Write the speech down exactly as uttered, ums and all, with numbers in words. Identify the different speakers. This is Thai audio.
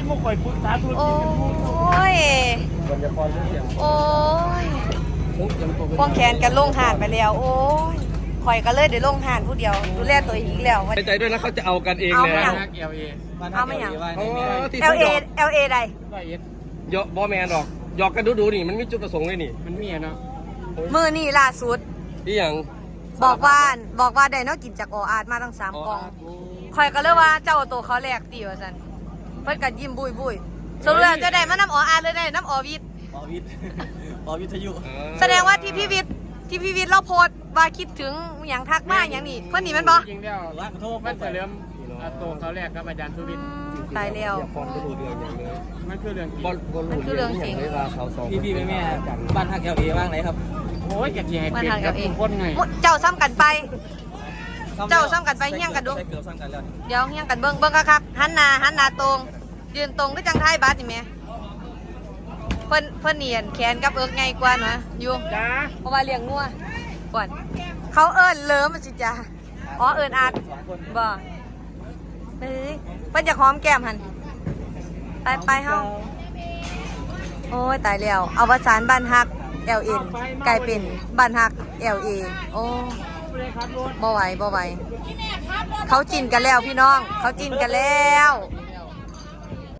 Speaker 1: มาคอยปรึกษาธุร
Speaker 2: โอ้
Speaker 1: กิจกันพูด
Speaker 2: ยโอ้ยควงแขนกันลงหานไปแล้วโอ้ยข่อยก็เลยเดี๋ยวลงหานผู้เดียวดูแลตัวเองอีกแล้ว
Speaker 3: ใจด้วยนะเขาจะเอากันเอง
Speaker 2: เอา
Speaker 3: เลย
Speaker 2: ไม่
Speaker 3: นะ
Speaker 2: เอา
Speaker 1: เอลเอ
Speaker 2: เอาไม่อย่าง
Speaker 3: ที่
Speaker 2: L A L A ใด
Speaker 1: ร้อยเอ็ด
Speaker 3: ยอกบอแมนหรอกหยอกกันดูดูนี่มันมีจุดประสงค์เลยนี่
Speaker 1: มันมีอะเนาะ
Speaker 2: มือนี่ล่าสุด
Speaker 3: ที่อย่าง
Speaker 2: บอกว่าบอกว่าได้เนอกกินจากโออาร์ตมาตั้งสามกล่องข่อยก็เลยว่าเจ้าตัวเขาแหลกตีว่าสันเพิ่นกันยิ้มบุยบุยสรุปแล้วจะได้มาน้ำโออาร์ตเลยได้น้ำโอวิท
Speaker 4: ปอวิทย์ปอวิทยุ
Speaker 2: แสดงว่าที่พี่วิทย์ที่พี่วิทย์เราโพสต์ว่าคิดถึงอย่างทักมาอย่างนี้เพื่อนนี่มันบอ
Speaker 1: จริงๆแล้ว
Speaker 4: ร้านขอโทษ
Speaker 1: มันจะเริ่มตัวเขาแรกกับอาจารย์สุวิทย์
Speaker 2: ตายแล้ว
Speaker 3: อย่าฟอนก็ดูเดือดอย่างเลย
Speaker 1: มันคือเรื่องจริง
Speaker 3: บอลบอล
Speaker 2: มันคือเรื่องจริง
Speaker 3: เวลาเขาสอง
Speaker 4: พี่พี่แม่แม่บ้านฮักเอลเอบ้างไหนครับ
Speaker 1: โอ้ยอยากจะให้เปลี่ยนกับทุกคนไง
Speaker 2: เจ้าซ้ำกันไป เจ้าซ้ำกันไปเฮี้ยงกันดู
Speaker 4: ใช่เกือบซ้ำกันแล้ว
Speaker 2: เดี๋ยวเฮี้ยงกันเบิ้งเบิ้งคักๆหันหน้าหันหน้าตรงยืนตรงก็จังไทยบัสนี่แม่เพิ่นเพิ่นเนียนแขนกับเอิกไงกว่าเนาะอยู่
Speaker 1: จ้า
Speaker 2: เพราะว่าเลี้ยงงัวก่อนเขาเอิ้นเลิมมันสิจ้าอ๋อเอิ้นอาดบ่เฮ้ยเพิ่นจะหอมแก้มหันไปไปเฮาโอ้ยตายแล้วเอาวสานบ้านฮัก แอล เอ็น กลายเป็นบ้านฮัก แอล เอ โอ้บ่ไหวบ่ไหวเขาจินกันแล้วพี่น้องเขาจินกันแล้ว